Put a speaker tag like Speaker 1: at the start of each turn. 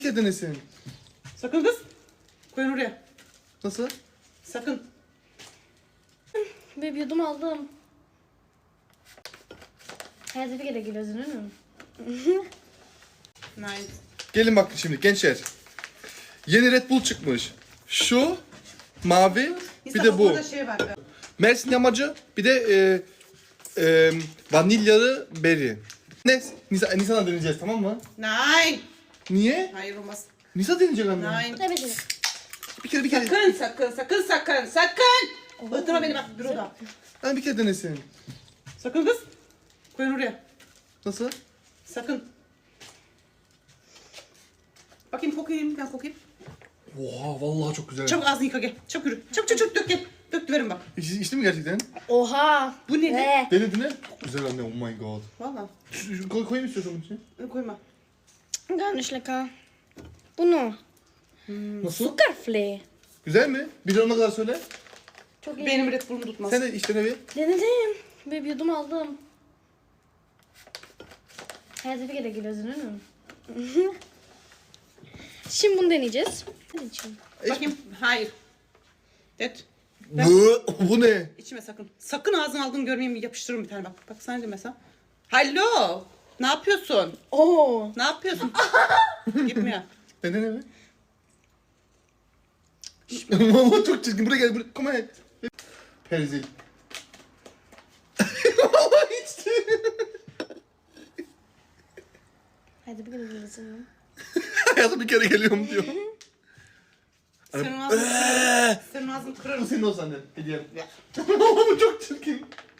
Speaker 1: denesin.
Speaker 2: Sakın kız. Koyun oraya.
Speaker 1: Nasıl?
Speaker 2: Sakın.
Speaker 3: Bir yudum aldım. Hayatı bir kere gülüyorsun değil mi?
Speaker 2: Nice.
Speaker 1: Gelin bakın şimdi gençler. Yeni Red Bull çıkmış. Şu mavi bir de bu.
Speaker 2: Burada şey var.
Speaker 1: Mersin yamacı bir de vanilyalı berry. Ne? Nisan'a deneyeceğiz tamam mı?
Speaker 2: Nine.
Speaker 1: Niye?
Speaker 2: Hayır olmaz.
Speaker 1: Nisa deneyecek anne.
Speaker 2: Nine.
Speaker 3: Tabii ki.
Speaker 1: Bir kere.
Speaker 2: Sakın. Bıktırma beni bak büroda.
Speaker 1: Ben bir kere denesin.
Speaker 2: Sakın kız. Koyun oraya.
Speaker 1: Nasıl?
Speaker 2: Sakın. Bakayım kokayım. Ben kokayım.
Speaker 1: Oha vallahi çok güzel.
Speaker 2: Çabuk ağzını yıka gel. Çabuk yürü. Çabuk dök gel. Dök verin bak.
Speaker 1: İçti mi gerçekten?
Speaker 3: Oha.
Speaker 2: Bu ne?
Speaker 3: Ne?
Speaker 1: Denedin mi? Çok güzel anne oh my god.
Speaker 2: Valla.
Speaker 1: Koyayım istiyorsan bunun içine.
Speaker 2: Koyma.
Speaker 3: Garnish lecker. Bunu.
Speaker 1: Nasıl?
Speaker 3: Zuckerflee.
Speaker 1: Güzel mi? Bir de ona kadar söyle.
Speaker 3: Çok iyi.
Speaker 2: Benim Red Bull'um tutmaz.
Speaker 1: Sen de işte ne bir?
Speaker 3: Denedim. Bir yudum aldım. Hayatı bir kere gülüyorsun değil mi? Şimdi bunu deneyeceğiz. Hadi içelim.
Speaker 2: Bakayım. Hayır. Evet.
Speaker 1: Bu ne?
Speaker 2: İçime sakın. Sakın ağzını aldığını görmeyeyim yapıştırırım bir tane bak. Bak sana de mesela. Hallo. Ne yapıyorsun?
Speaker 3: Oo.
Speaker 2: Ne yapıyorsun? Gitmiyor.
Speaker 1: Dene mi? Mama çok çirkin. Buraya gel. Buraya. Come on. Perzil. Mama içti.
Speaker 3: Hadi bir kere gülüyorsun.
Speaker 1: Hayatım bir kere geliyorum diyor.
Speaker 2: Senin ağzını kırarım. Senin ağzını
Speaker 1: Bu
Speaker 2: kırarım.
Speaker 1: senin olsun annen. Hediyem. Mama bu çok çirkin.